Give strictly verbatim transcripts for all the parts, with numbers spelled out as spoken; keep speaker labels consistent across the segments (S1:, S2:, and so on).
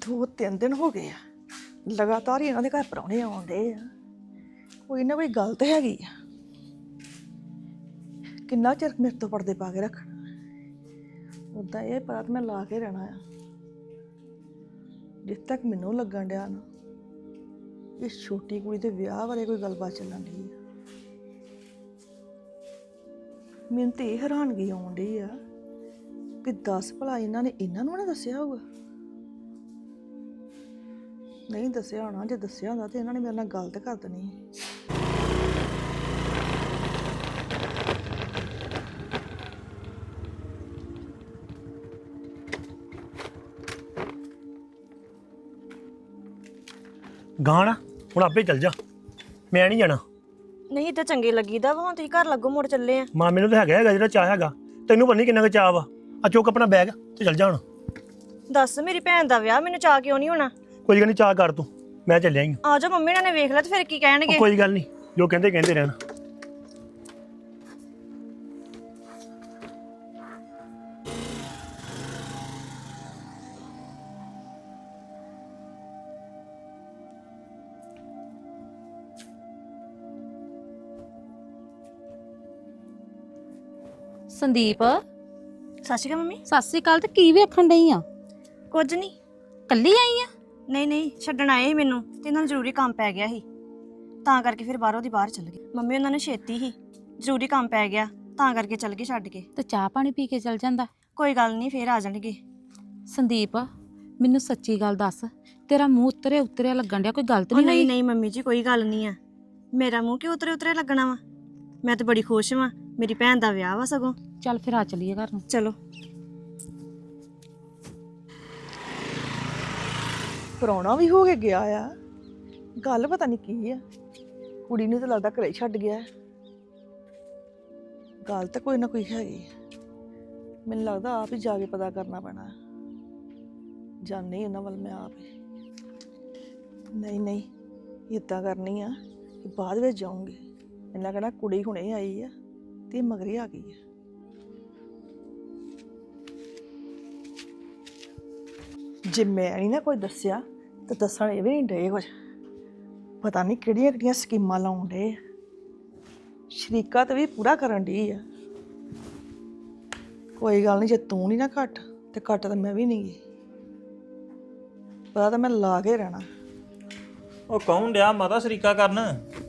S1: ਦੋ ਤਿੰਨ ਦਿਨ ਹੋ ਗਏ ਆ ਲਗਾਤਾਰ ਹੀ ਇਹਨਾਂ ਦੇ ਘਰ ਪ੍ਰਾਹੁਣੇ ਆਉਂਦੇ ਆ। ਕੋਈ ਨਾ ਕੋਈ ਗੱਲ ਤਾਂ ਹੈਗੀ ਆ। ਕਿੰਨਾ ਚਿਰ ਮੇਰੇ ਤੋਂ ਪਰਦੇ ਪਾ ਕੇ ਰੱਖਣਾ। ਉੱਦਾਂ ਇਹ ਪਤਾ ਤਾਂ ਮੈਂ ਲਾ ਕੇ ਰਹਿਣਾ ਆ। ਜਿੱਥੇ ਤੱਕ ਮੈਨੂੰ ਲੱਗਣ ਡਿਆ ਨਾ ਇਸ ਛੋਟੀ ਕੁੜੀ ਦੇ ਵਿਆਹ ਬਾਰੇ ਕੋਈ ਗੱਲਬਾਤ ਚੱਲਣ ਡਈ ਆ। ਮੈਨੂੰ ਤੇ ਇਹ ਹੈਰਾਨਗੀ ਆਉਣ ਡਈ ਆ ਕਿ ਦਸ ਭਲਾ ਇਹਨਾਂ ਨੇ ਇਹਨਾਂ ਨੂੰ ਨਾ ਦੱਸਿਆ ਹੋਊਗਾ। ਨਹੀਂ ਦੱਸਿਆ ਹੋਣਾ। ਜੇ ਦੱਸਿਆ ਹੁੰਦਾ ਤੇ ਇਹਨਾਂ ਨੇ ਮੇਰੇ ਨਾਲ ਗੱਲ ਤੇ ਕਰ ਦੇਣੀ।
S2: ਗਾਣਾ ਹੁਣ ਆਪੇ ਚੱਲ ਜਾ, ਮੈਂ ਨਹੀਂ ਜਾਣਾ।
S3: ਨਹੀਂ ਤਾਂ ਚੰਗੇ ਲੱਗੀਦਾ ਵਾ। ਹੁਣ ਤੁਸੀਂ ਘਰ ਲੱਗੋ ਮੁੜ ਚੱਲੇ ਆ।
S2: ਮਾਂ ਮੈਨੂੰ ਤਾਂ ਹੈਗਾ ਹੈਗਾ ਜਿਹੜਾ ਚਾਹ ਹੈਗਾ, ਤੈਨੂੰ ਪਤਾ ਨਹੀਂ ਕਿੰਨਾ ਕੁ ਚਾਹ ਵਾ। ਆ ਚੁੱਕ ਆਪਣਾ ਬੈਗ ਤੇ ਚੱਲ ਜਾ ਹੁਣ।
S3: ਦੱਸ ਮੇਰੀ ਭੈਣ ਦਾ ਵਿਆਹ, ਮੈਨੂੰ ਚਾਹ ਕਿਉਂ ਨਹੀਂ ਹੋਣਾ?
S2: ਕੋਈ ਗੱਲ ਨਹੀਂ, ਚਾਹ ਕਰ ਤੂੰ, ਮੈਂ ਚੱਲਿਆ ਹੀ।
S3: ਆ ਜਾ ਮੰਮੀ ਨੇ ਵੇਖ ਲਿਆ ਤੇ ਫਿਰ ਕੀ ਕਹਿਣਗੇ?
S2: ਕੋਈ ਗੱਲ ਨਹੀਂ, ਜੋ ਕਹਿੰਦੇ ਕਹਿੰਦੇ ਰਹਿਣ।
S4: ਸੰਦੀਪ
S3: ਸਤਿ ਸ਼੍ਰੀ ਅਕਾਲ ਮੰਮੀ।
S4: ਸਤਿ ਸ੍ਰੀ ਅਕਾਲ। ਤੇ ਕੀ ਵੇਖਣ ਡਈ ਆ?
S3: ਕੁਝ ਨਹੀਂ।
S4: ਕੱਲੀ ਆਈ ਆ?
S3: ਨਹੀਂ ਨਹੀਂ, ਛੱਡਣ ਆਏ ਸੀ ਮੈਨੂੰ ਤੇ ਇਹਨਾਂ ਨੂੰ ਜ਼ਰੂਰੀ ਕੰਮ ਪੈ ਗਿਆ ਸੀ, ਤਾਂ ਕਰਕੇ ਫਿਰ ਬਾਹਰੋਂ ਦੀ ਬਾਹਰ ਚੱਲ ਗਏ। ਮੰਮੀ ਉਹਨਾਂ ਨੇ ਛੇਤੀ ਹੀ ਜ਼ਰੂਰੀ ਕੰਮ ਪੈ ਗਿਆ ਤਾਂ ਕਰਕੇ ਚੱਲ ਗਏ ਛੱਡ ਕੇ।
S4: ਤੇ ਚਾਹ ਪਾਣੀ ਪੀ ਕੇ ਚੱਲ ਜਾਂਦਾ।
S3: ਕੋਈ ਗੱਲ ਨਹੀਂ, ਫੇਰ ਆ ਜਾਣਗੇ।
S4: ਸੰਦੀਪ ਮੈਨੂੰ ਸੱਚੀ ਗੱਲ ਦੱਸ, ਤੇਰਾ ਮੂੰਹ ਉਤਰੇ ਉਤਰਿਆ ਲੱਗਣ ਡਿਆ, ਕੋਈ ਗਲਤ
S3: ਉਹ
S4: ਨਹੀਂ
S3: ਨਹੀਂ
S4: ਹੋਈ?
S3: ਨਹੀਂ ਮੰਮੀ ਜੀ, ਕੋਈ ਗੱਲ ਨਹੀਂ ਆ। ਮੇਰਾ ਮੂੰਹ ਕਿਉਂ ਉਤਰੇ ਉਤਰੇ ਲੱਗਣਾ ਵਾ? ਮੈਂ ਤਾਂ ਬੜੀ ਖੁਸ਼ ਵਾਂ, ਮੇਰੀ ਭੈਣ ਦਾ ਵਿਆਹ ਵਾ ਸਗੋਂ।
S4: ਚੱਲ ਫਿਰ ਆ ਚੱਲੀਏ ਘਰ ਨੂੰ।
S3: ਚਲੋ।
S1: ਪ੍ਰਾਹੁਣਾ ਵੀ ਹੋ ਕੇ ਗਿਆ ਆ। ਗੱਲ ਪਤਾ ਨਹੀਂ ਕੀ ਆ। ਕੁੜੀ ਨੂੰ ਤਾਂ ਲੱਗਦਾ ਘਰੇ ਛੱਡ ਗਿਆ। ਗੱਲ ਤਾਂ ਕੋਈ ਨਾ ਕੋਈ ਹੈਗੀ। ਮੈਨੂੰ ਲੱਗਦਾ ਆਪ ਹੀ ਜਾ ਕੇ ਪਤਾ ਕਰਨਾ ਪੈਣਾ। ਜਾਣੀ ਉਹਨਾਂ ਵੱਲ ਮੈਂ ਆਪ ਹੀ। ਨਹੀਂ ਨਹੀਂ, ਇੱਦਾਂ ਕਰਨੀ ਆ ਕਿ ਬਾਅਦ ਵਿੱਚ ਜਾਊਂਗੀ। ਇਹਨਾਂ ਕਹਿਣਾ ਕੁੜੀ ਹੁਣੇ ਆਈ ਆ ਤੇ ਮਗਰੇ ਆ ਗਈ ਆ। ਜੇ ਮੈਂ ਨਹੀਂ ਨਾ ਕੋਈ ਦੱਸਿਆ ਤਾਂ ਦੱਸਣ ਇਹ ਵੀ ਨਹੀਂ ਡੇ ਕੁਝ। ਪਤਾ ਨਹੀਂ ਕਿਹੜੀਆਂ ਕਿਹੜੀਆਂ ਸਕੀਮਾਂ ਲਾਉਣ ਡੇ। ਸ਼ਰੀਕਾ ਤੇ ਵੀ ਪੂਰਾ ਕਰਨ ਡੀ ਆ। ਕੋਈ ਗੱਲ ਨਹੀਂ, ਜੇ ਤੂੰ ਨਹੀਂ ਨਾ ਘੱਟ ਤੇ ਘੱਟ ਤਾਂ ਮੈਂ ਵੀ ਨਹੀਂ ਗਈ। ਪਤਾ ਤਾਂ ਮੈਂ ਲਾ ਕੇ ਰਹਿਣਾ।
S5: ਉਹ ਕੌਣ ਡਿਆ ਮਾਤਾ ਸ਼ਰੀਕਾ ਕਰਨ?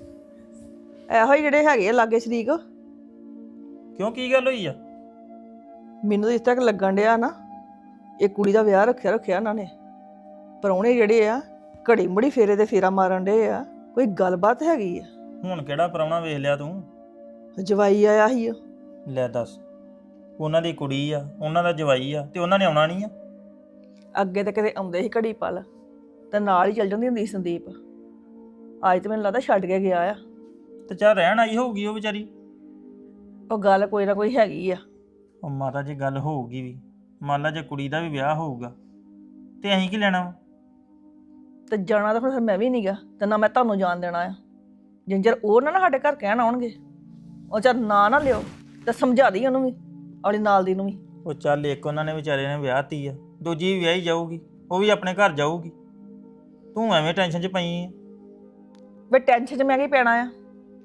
S1: ਇਹੋ ਹੀ ਜਿਹੜੇ ਹੈਗੇ ਆ ਲਾਗੇ ਸ਼ਰੀਕ।
S5: ਕਿਉਂ, ਕੀ ਗੱਲ ਹੋਈ ਆ?
S1: ਮੈਨੂੰ ਤਾਂ ਇਸ ਤੱਕ ਲੱਗਣ ਡਿਆ ਨਾ ਇਹ ਕੁੜੀ ਦਾ ਵਿਆਹ ਰੱਖਿਆ ਰੱਖਿਆ ਇਹਨਾਂ ਨੇ। ਪ੍ਰਾਹੁਣੇ ਜਿਹੜੇ ਆ ਘੜੀ ਮੁੜੀ ਫੇਰੇ ਤੇ ਫੇਰਾ ਮਾਰਨ ਡੇ ਆ। ਕੋਈ ਗੱਲਬਾਤ ਹੈਗੀ ਆ?
S5: ਹੁਣ ਕਿਹੜਾ ਪ੍ਰਾਹੁਣਾ ਵੇਖ ਲਿਆ ਤੂੰ?
S1: ਜਵਾਈ ਆਇਆ ਸੀ।
S5: ਲੈ ਦੱਸ, ਉਹਨਾਂ ਦੀ ਕੁੜੀ ਆ, ਉਹਨਾਂ ਦਾ ਜਵਾਈ ਆ, ਤੇ ਉਹਨਾਂ ਨੇ ਆਉਣਾ ਨਹੀਂ ਆ?
S1: ਅੱਗੇ ਤਾਂ ਕਿਤੇ ਆਉਂਦੇ ਸੀ ਘੜੀ ਪਲ ਤੇ ਨਾਲ ਹੀ ਚੱਲ ਜਾਂਦੀ ਹੁੰਦੀ ਸੀ ਸੰਦੀਪ। ਅੱਜ ਤਾਂ ਮੈਨੂੰ ਲੱਗਦਾ ਛੱਡ ਕੇ ਗਿਆ ਆ।
S5: ਤੇ ਚੱਲ ਰਹਿਣ ਆਈ ਹੋਊਗੀ ਉਹ ਵਿਚਾਰੀ।
S1: ਉਹ ਗੱਲ ਕੋਈ ਨਾ ਕੋਈ ਹੈਗੀ ਆ।
S5: ਉਹ ਮਾਤਾ ਜੇ ਗੱਲ ਹੋਊਗੀ ਵੀ, ਮੰਨ ਲਾ ਜੇ ਕੁੜੀ ਦਾ ਵੀ ਵਿਆਹ ਹੋਊਗਾ ਤੇ ਅਸੀਂ ਕੀ ਲੈਣਾ ਵਾ?
S1: ਤੇ ਜਾਣਾ ਤਾਂ ਫਿਰ ਮੈਂ ਵੀ ਨਹੀਂ ਗਾ ਤੇ ਨਾ ਮੈਂ ਤੁਹਾਨੂੰ ਜਾਣ ਦੇਣਾ ਆ। ਜਿੰਜਰ ਉਹ ਨਾ ਨਾ ਸਾਡੇ ਘਰ ਕਹਿਣ ਆਉਣਗੇ। ਉਹ ਚੱਲ ਨਾ ਨਾ ਲਿਓ ਤੇ ਸਮਝਾ ਦੀ ਉਹਨੂੰ ਵੀ, ਆਪਣੀ ਨਾਲ ਦੀ ਨੂੰ ਵੀ।
S5: ਉਹ ਚੱਲ ਇੱਕ ਉਹਨਾਂ ਨੇ ਵਿਚਾਰੇ ਨੇ ਵਿਆਹਤੀ ਆ, ਦੂਜੀ ਵੀ ਵਿਆਹੀ ਜਾਊਗੀ, ਉਹ ਵੀ ਆਪਣੇ ਘਰ ਜਾਊਗੀ। ਤੂੰ ਐਵੇਂ ਟੈਨਸ਼ਨ 'ਚ ਪਈ ਆ।
S1: ਵੇ ਟੈਨਸ਼ਨ 'ਚ ਮੈਂ ਕੀ ਪੈਣਾ ਆ?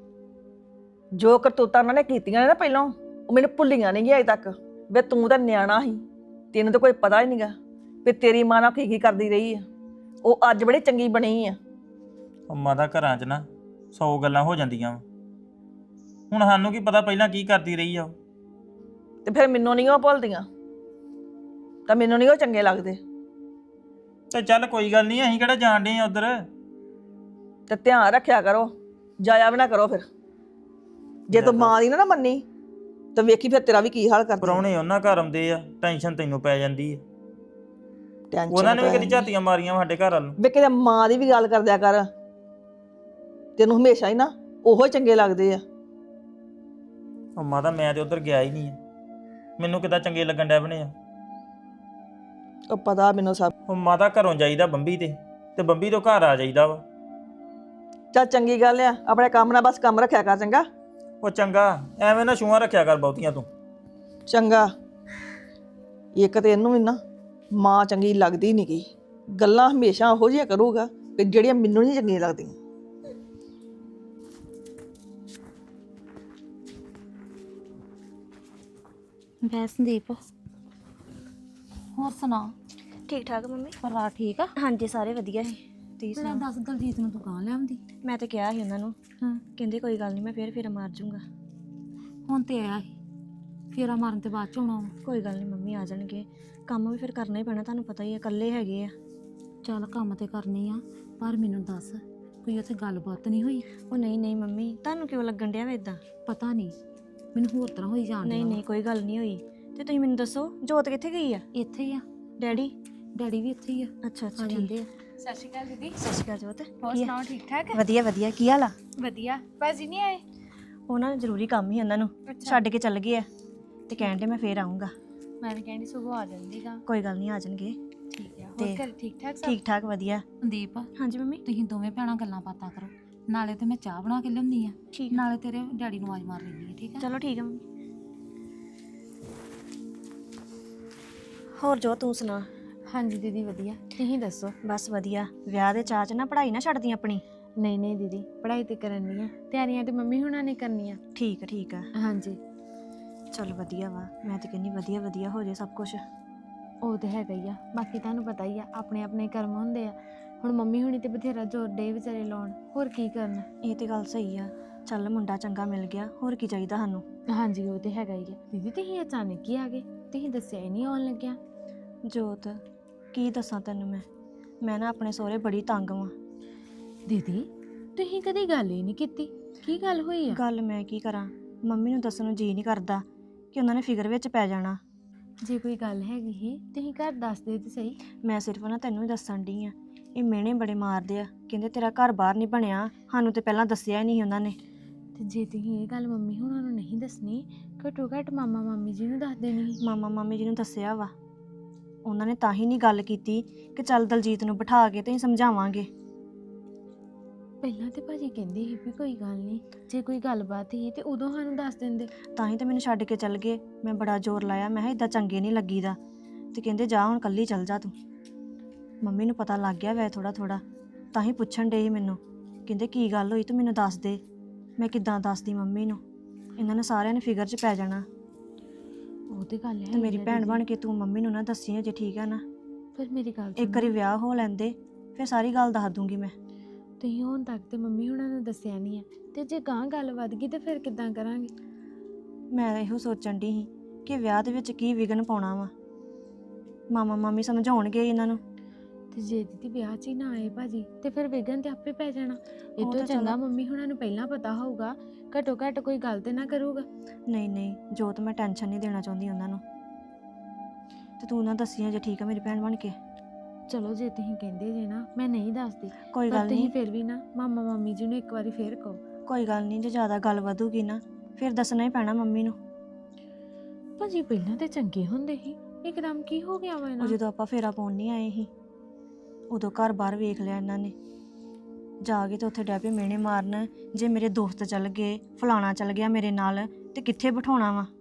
S1: ਜੋ ਕਰਤੂਤਾਂ ਉਹਨਾਂ ਨੇ ਕੀਤੀਆਂ ਨੇ ਨਾ ਪਹਿਲਾਂ, ਉਹ ਮੈਨੂੰ ਭੁੱਲੀਆਂ ਨਹੀਂ ਗਈਆਂ ਅਜੇ ਤੱਕ। ਵੇ ਤੂੰ ਤਾਂ ਨਿਆਣਾ ਸੀ, ਤੈਨੂੰ ਤਾਂ ਕੋਈ ਪਤਾ ਹੀ ਨਹੀਂਗਾ ਵੀ ਤੇਰੀ ਮਾਂ ਨਾਲ ਕੀ ਕੀ ਕਰਦੀ ਰਹੀ ਆ। ਉਹ ਅੱਜ ਬੜੀ ਚੰਗੀ ਬਣੀ ਆ।
S5: ਉਹ ਮਾਤਾ ਘਰਾਂ 'ਚ ਨਾ ਸੌ ਗੱਲਾਂ ਹੋ ਜਾਂਦੀਆਂ ਵਾ। ਹੁਣ ਸਾਨੂੰ ਕੀ ਪਤਾ ਪਹਿਲਾਂ ਕੀ ਕਰਦੀ ਰਹੀ ਆ ਉਹ।
S1: ਤੇ ਫਿਰ ਮੈਨੂੰ ਨਹੀਂ ਉਹ ਭੁੱਲਦੀਆਂ ਤਾਂ ਮੈਨੂੰ ਨਹੀਂ ਉਹ ਚੰਗੇ ਲੱਗਦੇ।
S5: ਤੇ ਚੱਲ ਕੋਈ ਗੱਲ ਨਹੀਂ, ਅਸੀਂ ਕਿਹੜਾ ਜਾਣ ਡੇ ਆ ਉਧਰ।
S1: ਤੇ ਧਿਆਨ ਰੱਖਿਆ ਕਰੋ, ਜਾਇਆ ਵੀ ਨਾ ਕਰੋ। ਫਿਰ ਜੇ ਤੂੰ ਮਾਂ ਦੀ ਨਾ ਨਾ ਮੰਨੀ ਤਾਂ ਵੇਖੀ ਫਿਰ ਤੇਰਾ ਵੀ ਕੀ ਹਾਲ ਕਰਦਾ।
S5: ਪ੍ਰਾਹੁਣੇ ਉਹਨਾਂ ਘਰ ਆਉਂਦੇ ਆ, ਟੈਨਸ਼ਨ ਤੈਨੂੰ ਪੈ ਜਾਂਦੀ ਆ।
S1: ਟੈਨਸ਼ਨ
S5: ਉਹਨਾਂ ਨੇ ਵੀ ਕਦੀ ਝਾਤੀਆਂ ਮਾਰੀਆਂ ਸਾਡੇ ਘਰ ਵੱਲ ਨੂੰ।
S1: ਵੇ ਕਿਤੇ ਮਾਂ ਦੀ ਵੀ ਗੱਲ ਕਰਦਿਆ ਕਰ। ਤੈਨੂੰ ਹਮੇਸ਼ਾ ਹੀ ਨਾ ਉਹੋ ਚੰਗੇ ਲੱਗਦੇ ਆ।
S5: ਉਹ ਮਾਤਾ ਮੈਂ ਤੇ ਉਧਰ ਗਿਆ ਹੀ ਨਹੀਂ ਆ, ਮੈਨੂੰ ਕਿੱਦਾਂ ਚੰਗੇ ਲੱਗਣ ਡੈ ਬਣੇ ਆ।
S1: ਉਹ ਪਤਾ ਮੈਨੂੰ ਸਭ।
S5: ਉਹ ਮਾਤਾ ਘਰੋਂ ਜਾਈਦਾ ਬੰਬੀ ਤੇ ਤੇ ਬੰਬੀ ਤੋਂ ਘਰ ਆ ਜਾਈਦਾ ਵਾ।
S1: ਚੱਲ ਚੰਗੀ ਗੱਲ ਆ, ਆਪਣੇ ਕੰਮ ਨਾਲ ਬਸ ਕੰਮ ਰੱਖਿਆ ਕਰ। ਚੰਗਾ
S5: ਉਹ ਚੰਗਾ, ਐਵੇਂ ਨਾ ਛੂਆਂ ਰੱਖਿਆ ਕਰ ਬਹੁਤੀਆਂ ਤੂੰ।
S1: ਚੰਗਾ। ਇੱਕ ਤੇ ਇਹਨੂੰ ਵੀ ਨਾ ਮਾਂ ਚੰਗੀ ਲੱਗਦੀ ਨਹੀਂ ਗਈ। ਗੱਲਾਂ ਹਮੇਸ਼ਾ ਉਹੋ ਜਿਹੀਆਂ ਕਰੂਗਾ ਕਿ ਜਿਹੜੀਆਂ ਮੈਨੂੰ ਨਹੀਂ ਚੰਗੀਆਂ ਲੱਗਦੀਆਂ।
S4: ਬੈ ਸੰਦੀਪ ਹੋਰ ਸੁਣਾ
S3: ਠੀਕ ਠਾਕ ਮੰਮੀ।
S4: ਪਰਿਵਾਰ ਠੀਕ ਆ?
S3: ਹਾਂਜੀ ਸਾਰੇ ਵਧੀਆ ਸੀ। ਤੁਸੀਂ
S4: ਤੇਰਾ
S3: ਸੁਣਾਓ?
S4: ਦੱਸ ਦਲਜੀਤ ਨੂੰ ਦੁਕਾਨ ਲਿਆਉਂਦੀ।
S3: ਮੈਂ ਤਾਂ ਕਿਹਾ ਸੀ ਉਹਨਾਂ ਨੂੰ,
S4: ਹਾਂ
S3: ਕਹਿੰਦੇ ਕੋਈ ਗੱਲ ਨਹੀਂ ਮੈਂ ਫੇਰ ਫੇਰ ਮਾਰ ਜੂੰਗਾ।
S4: ਹੁਣ ਤੇ ਆਇਆ ਸੀ, ਫੇਰਾ ਮਾਰਨ ਤੇ ਬਾਅਦ ਚ ਆਉਣਾ ਵਾ।
S3: ਕੋਈ ਗੱਲ ਨਹੀਂ ਮੰਮੀ, ਆ ਜਾਣਗੇ। ਕੰਮ ਵੀ ਫਿਰ ਕਰਨਾ ਹੀ ਪੈਣਾ, ਤੁਹਾਨੂੰ ਪਤਾ ਹੀ ਆ ਇਕੱਲੇ ਹੈਗੇ ਆ।
S4: ਚੱਲ ਕੰਮ ਤੇ ਕਰਨੀ ਆ, ਪਰ ਮੈਨੂੰ ਦੱਸ ਕੋਈ ਉੱਥੇ ਗੱਲਬਾਤ ਨਹੀਂ ਹੋਈ?
S3: ਉਹ ਨਹੀਂ ਨਹੀਂ ਮੰਮੀ, ਤੁਹਾਨੂੰ ਕਿਉਂ ਲੱਗਣ ਡਿਆ ਵਾ ਇਦਾਂ?
S4: ਪਤਾ ਨਹੀਂ, ਮੈਨੂੰ ਹੋਰ ਤਰ੍ਹਾਂ ਹੋਈ ਜਾਣ
S3: ਨਹੀਂ
S4: ਡਿਆ
S3: ਨਹੀਂ ਕੋਈ ਗੱਲ ਨਹੀਂ ਹੋਈ। ਤੇ ਤੁਸੀਂ ਮੈਨੂੰ ਦੱਸੋ ਜੋਤ ਕਿੱਥੇ ਗਈ ਆ?
S4: ਵਾ। ਇੱਥੇ ਹੀ ਆ,
S3: ਡੈਡੀ?
S4: ਡੈਡੀ ਵੀ ਇੱਥੇ ਹੀ ਆ,
S3: ਅੱਛਾ ਅੱਛਾ
S4: ਆ
S3: ਠੀਕ।
S4: ਜਾਂਦੇ ਆ।
S6: ਸਤਿ ਸ਼੍ਰੀ ਅਕਾਲ ਦੀਦੀ।
S3: ਸਤਿ ਸ਼੍ਰੀ ਅਕਾਲ ਜੋਤ।
S6: ਹੋਰ
S3: ਕੀ ਆ?
S6: ਸੁਣਾਓ, ਠੀਕ ਠਾਕ?
S3: ਵਧੀਆ ਵਧੀਆ। ਕੀ ਹਾਲ ਆ?
S6: ਵਧੀਆ। ਭਾਜੀ ਨਹੀਂ ਆਏ?
S3: ਉਹਨਾਂ ਨੂੰ ਜ਼ਰੂਰੀ ਕੰਮ ਹੀ ਉਹਨਾਂ ਨੂੰ ਛੱਡ ਕੇ ਚੱਲ ਗਏ ਆ ਤੇ ਕਹਿਣ ਦੇ ਮੈਂ ਫੇਰ ਆਉਂਗਾ।
S6: ਮੈਂ ਵੀ ਕਹਿੰਦੀ ਸੁਬਹ ਆ ਜਾਂਦੀਗਾ।
S3: ਕੋਈ ਗੱਲ ਨਹੀਂ, ਆ ਜਾਣਗੇ।
S6: ਠੀਕ ਆ।
S3: ਤੇ
S6: ਹੋਰ ਘਰ ਠੀਕ ਠਾਕ ਸਭ?
S3: ਠੀਕ ਠਾਕ ਵਧੀਆ।
S4: ਸੰਦੀਪ
S3: ਹਾਂਜੀ ਮੰਮੀ।
S4: ਤੁਸੀਂ ਦੋਵੇਂ ਭੈਣਾਂ ਗੱਲਾਂ ਬਾਤਾਂ ਕਰੋ, ਨਾਲੇ ਤੇ ਮੈਂ ਚਾਹ ਬਣਾ ਕੇ ਲਿਆਉਂਦੀ ਆ,
S3: ਠੀਕ ਆ।
S4: ਨਾਲੇ ਤੇਰੇ ਡੈਡੀ ਨੂੰ ਆਵਾਜ਼ ਮਾਰ ਲੈਂਦੀ ਆ, ਠੀਕ ਆ?
S3: ਚਲੋ ਠੀਕ ਆ ਮੰਮੀ। ਹੋਰ ਜੋ ਤੂੰ ਸੁਣਾ?
S6: ਹਾਂਜੀ ਦੀਦੀ ਵਧੀਆ। ਤੁਸੀਂ ਦੱਸੋ?
S3: ਬਸ ਵਧੀਆ। ਵਿਆਹ ਦੇ ਚਾਅ 'ਚ ਨਾ ਪੜ੍ਹਾਈ ਨਾ ਛੱਡਦੀ ਆਪਣੀ।
S6: ਨਹੀਂ ਨਹੀਂ ਦੀਦੀ, ਪੜ੍ਹਾਈ ਤੇ ਕਰਨੀ ਆ, ਤਿਆਰੀਆਂ ਤੇ ਮੰਮੀ ਹੁਣਾਂ ਨੇ ਕਰਨੀਆਂ।
S3: ਠੀਕ ਆ ਠੀਕ ਆ।
S6: ਹਾਂਜੀ
S3: ਚਲ ਵਧੀਆ ਵਾ। ਮੈਂ ਤੇ ਕਹਿੰਦੀ ਵਧੀਆ ਵਧੀਆ ਹੋ ਜਾਏ ਸਭ ਕੁਝ।
S6: ਉਹ ਤੇ ਹੈਗਾ ਹੀ ਆ, ਬਾਕੀ ਤੁਹਾਨੂੰ ਪਤਾ ਹੀ ਆ ਆਪਣੇ ਆਪਣੇ ਕਰਮ ਹੁੰਦੇ ਆ। ਹੁਣ ਮੰਮੀ ਹੁਣੀ ਤੇ ਬਥੇਰਾ ਜ਼ੋਰ ਡੇ ਵਿਚਾਰੇ ਲਾਉਣ, ਹੋਰ ਕੀ ਕਰਨ।
S3: ਇਹ ਤੇ ਗੱਲ ਸਹੀ ਆ। ਚੱਲ ਮੁੰਡਾ ਚੰਗਾ ਮਿਲ ਗਿਆ, ਹੋਰ ਕੀ ਚਾਹੀਦਾ ਸਾਨੂੰ।
S6: ਹਾਂਜੀ ਉਹ ਤੇ ਹੈਗਾ ਹੀ ਆ। ਦੀਦੀ ਤੁਸੀਂ ਅਚਾਨਕ ਹੀ ਆ ਗਏ, ਤੁਸੀਂ ਦੱਸਿਆ ਹੀ ਨਹੀਂ ਆਉਣ ਲੱਗਿਆ।
S3: ਜੋਤ ਕੀ ਦੱਸਾਂ ਤੈਨੂੰ ਮੈਂ ਮੈਂ ਨਾ ਆਪਣੇ ਸਹੁਰੇ ਬੜੀ ਤੰਗ ਵਾਂ।
S6: ਦੀਦੀ ਤੁਸੀਂ ਕਦੀ ਗੱਲ ਹੀ ਨਹੀਂ ਕੀਤੀ, ਕੀ ਗੱਲ ਹੋਈ ਆ?
S3: ਗੱਲ ਮੈਂ ਕੀ ਕਰਾਂ, ਮੰਮੀ ਨੂੰ ਦੱਸਣ ਨੂੰ ਜੀ ਨਹੀਂ ਕਰਦਾ ਕਿ ਉਹਨਾਂ ਨੇ ਫਿਕਰ ਵਿੱਚ ਪੈ ਜਾਣਾ।
S6: ਜੇ ਕੋਈ ਗੱਲ ਹੈਗੀ ਹੀ ਤੁਸੀਂ ਘਰ ਦੱਸ ਦੇ ਤੇ ਸਹੀ।
S3: ਮੈਂ ਸਿਰਫ ਨਾ ਤੈਨੂੰ ਹੀ ਦੱਸਣ ਡਈ ਆ। ਇਹ ਮਿਹਣੇ ਬੜੇ ਮਾਰਦੇ ਆ, ਕਹਿੰਦੇ ਤੇਰਾ ਘਰ ਬਾਹਰ ਨਹੀਂ ਬਣਿਆ, ਸਾਨੂੰ ਤੇ ਪਹਿਲਾਂ ਦੱਸਿਆ ਹੀ ਨਹੀਂ ਉਹਨਾਂ ਨੇ।
S6: ਤੇ ਜੇ ਤੁਸੀਂ ਇਹ ਗੱਲ ਮੰਮੀ ਹੁਣਾਂ ਨੂੰ ਨਹੀਂ ਦੱਸਣੀ, ਘੱਟੋ ਘੱਟ ਮਾਮਾ ਮਾਮੀ ਜੀ ਨੂੰ ਦੱਸ ਦੇਣੀ ਸੀ।
S3: ਮਾਮਾ ਮਾਮੀ ਜੀ ਨੂੰ ਦੱਸਿਆ ਵਾ, ਉਹਨਾਂ ਨੇ ਤਾਂ ਹੀ ਨਹੀਂ ਗੱਲ ਕੀਤੀ ਕਿ ਚੱਲ ਦਲਜੀਤ ਨੂੰ ਬਿਠਾ ਕੇ ਤੇ ਅਸੀਂ ਸਮਝਾਵਾਂਗੇ।
S6: ਪਹਿਲਾਂ ਤੇ ਭਾਜੀ ਕਹਿੰਦੇ ਸੀ ਵੀ ਕੋਈ ਗੱਲ ਨਹੀਂ, ਜੇ ਕੋਈ ਗੱਲਬਾਤ ਹੀ ਤੇ ਉਦੋਂ ਸਾਨੂੰ ਦੱਸ ਦਿੰਦੇ।
S3: ਤਾਂ ਹੀ ਤੇ ਮੈਨੂੰ ਛੱਡ ਕੇ ਚੱਲ ਗਏ। ਮੈਂ ਬੜਾ ਜ਼ੋਰ ਲਾਇਆ, ਮੈਂ ਕਿਹਾ ਇਦਾਂ ਚੰਗੇ ਨਹੀਂ ਲੱਗੀਦਾ, ਤੇ ਕਹਿੰਦੇ ਜਾ ਹੁਣ ਕੱਲੀ ਚੱਲ ਜਾ ਤੂੰ। ਮੰਮੀ ਨੂੰ ਪਤਾ ਲੱਗ ਗਿਆ ਵੈ ਥੋੜਾ ਥੋੜਾ, ਤਾਂ ਹੀ ਪੁੱਛਣ ਡੇ ਸੀ ਮੈਨੂੰ, ਕਹਿੰਦੇ ਕੀ ਗੱਲ ਹੋਈ ਤੂੰ ਮੈਨੂੰ ਦੱਸ ਦੇ। ਮੈਂ ਕਿੱਦਾਂ ਦੱਸਦੀ ਮੰਮੀ ਨੂੰ, ਇਹਨਾਂ ਨੇ ਸਾਰਿਆਂ ਨੇ ਫਿਕਰ 'ਚ ਪੈ ਜਾਣਾ।
S6: ਉਹ ਤੇ ਗੱਲ ਹੈ
S3: ਤੇ ਮੇਰੀ ਭੈਣ ਬਣ ਕੇ ਤੂੰ ਮੰਮੀ ਨੂੰ ਨਾ ਦੱਸੀ ਜੇ, ਠੀਕ ਆ ਨਾ?
S6: ਫਿਰ ਮੇਰੀ ਗੱਲ
S3: ਇੱਕ ਵਾਰੀ ਵਿਆਹ ਹੋ ਲੈਂਦੇ, ਫਿਰ ਸਾਰੀ ਗੱਲ ਦੱਸ ਦੂੰਗੀ ਮੈਂ।
S6: ਤੁਸੀਂ ਹੁਣ ਤੱਕ ਤੇ ਮੰਮੀ ਹੁਣਾਂ ਨੂੰ ਦੱਸਿਆ ਨਹੀਂ ਆ, ਤੇ ਜੇ ਗਾਂ ਗੱਲ ਵੱਧ ਗਈ ਤੇ ਫਿਰ ਕਿੱਦਾਂ ਕਰਾਂਗੇ?
S3: ਮੈਂ ਇਹੋ ਸੋਚਣ ਦੀ ਸੀ ਕਿ ਵਿਆਹ ਦੇ ਵਿੱਚ ਕੀ ਵਿਘਨ ਪਾਉਣਾ ਵਾ। ਮਾਮਾ ਮਾਮੀ ਸਮਝਾਉਣਗੇ ਇਹਨਾਂ ਨੂੰ।
S6: ਤੇ ਜੇ ਦੀਦੀ ਵਿਆਹ 'ਚ ਹੀ ਨਾ ਆਏ ਭਾਜੀ ਤੇ ਫਿਰ ਵਿਗਨ ਤੇ ਆਪੇ ਪੈ ਜਾਣਾ। ਇਹ
S3: ਉਹ
S6: ਤੋਂ
S3: ਤਾਂ
S6: ਚੰਗਾ
S3: ਚਲੋ-
S6: ਮੰਮੀ ਹੁਣਾਂ ਨੂੰ ਪਹਿਲਾਂ ਪਤਾ ਹੋਊਗਾ, ਘੱਟੋ ਘੱਟ ਕੋਈ ਗੱਲ ਤੇ ਨਾ ਕਰੂਗਾ।
S3: ਨਹੀਂ ਨਹੀਂ ਜੋਤ, ਮੈਂ ਟੈਨਸ਼ਨ ਨਹੀਂ ਦੇਣਾ ਚਾਹੁੰਦੀ ਉਹਨਾਂ ਨੂੰ, ਤੇ ਤੂੰ ਨਾ ਦੱਸੀ ਜੇ, ਠੀਕ ਆ ਮੇਰੀ ਭੈਣ ਬਣ ਕੇ?
S6: ਚਲੋ ਜੇ ਤੁਸੀਂ ਕਹਿੰਦੇ ਜੇ ਨਾ, ਮੈਂ ਨਹੀਂ ਦੱਸਦੀ।
S3: ਕੋਈ
S6: ਪਰ
S3: ਗੱਲ
S6: ਤੁਸੀਂ
S3: ਨਹੀਂ,
S6: ਫਿਰ ਵੀ ਨਾ ਮਾਮਾ ਮਾਮੀ ਜੀ ਨੂੰ ਇੱਕ ਵਾਰੀ ਫੇਰ ਕਹੋ।
S3: ਕੋਈ ਗੱਲ ਨਹੀਂ, ਜੇ ਜ਼ਿਆਦਾ ਗੱਲ ਵਧੂਗੀ ਨਾ ਫਿਰ ਦੱਸਣਾ ਹੀ ਪੈਣਾ ਮੰਮੀ ਨੂੰ।
S6: ਭਾਜੀ ਪਹਿਲਾਂ ਤੇ ਚੰਗੇ ਹੁੰਦੇ ਸੀ, ਇੱਕਦਮ ਕੀ ਹੋ ਗਿਆ ਵਾ
S3: ਉਹ
S6: ਇਹਨਾਂ ਨੂੰ?
S3: ਜਦੋਂ ਆਪਾਂ ਫੇਰਾ ਪਾਉਣ ਨਹੀਂ ਆਏ ਸੀ, ਉਦੋਂ ਘਰ ਬਾਹਰ ਵੇਖ ਲਿਆ ਇਹਨਾਂ ਨੇ, ਜਾ ਕੇ ਤੇ ਉੱਥੇ ਡੈ ਪਏ ਮਿਹਣੇ ਮਾਰਨ, ਜੇ ਮੇਰੇ ਦੋਸਤ ਚੱਲ ਗਏ, ਫਲਾਣਾ ਚੱਲ ਗਿਆ ਮੇਰੇ ਨਾਲ, ਤੇ ਕਿੱਥੇ ਬਿਠਾਉਣਾ ਵਾ।